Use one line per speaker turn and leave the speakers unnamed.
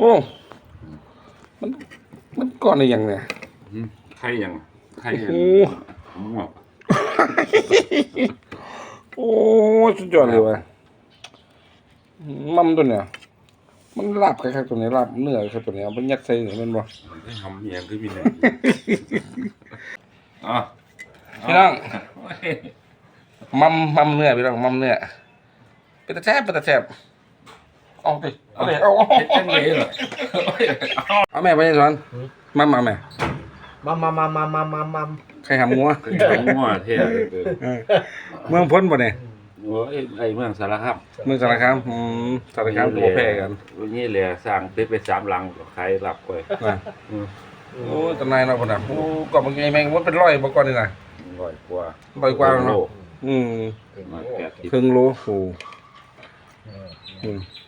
โอ้มันมันก่อนอะไรอย่างเนี่ย
ไข่ยังไข่
โอ้
ยังมั่ว
โอ้สุดยอดเลยว่ะมัมตัวเนี่ยมันลาบคล้ายๆตัวนี้ลาบเนื้อคล้ายตัวนี้เอาไปยัดใส่เนี่ยมันบ่
มันได้ทำอย่างคือมีเนี่ยอ๋อ
พี่น้องมัมเนื้อพี่น้องมัมเนื้อเป็นตาแซ่บเอาดิเอาดิเอา
เฮ็ดจังเลยเหรอ
เอาแม่ไปยังสอนมัมเอาแม่
มัม
ใครหำงัว
คือไข่มั่วเท่เลย
เมืองพ้นบ่เนี่ย
โอ้ยไอ้เมืองสารคาม
เมืองสารคามสารคามตัวแพร่กัน
วันนี้แหละสร้างตึกไป3หลังขายหลับไป
นะโอ้ตำนายเราคนน่ะโอ้ก่อนบางไงแม่งมันเป็นร้อยบ่ก่อนนี่น่ะ
100 กว่า
ร้อยกว่าเนาะ
โล
อืม
มา80
ครึ่งโลโอ้อืม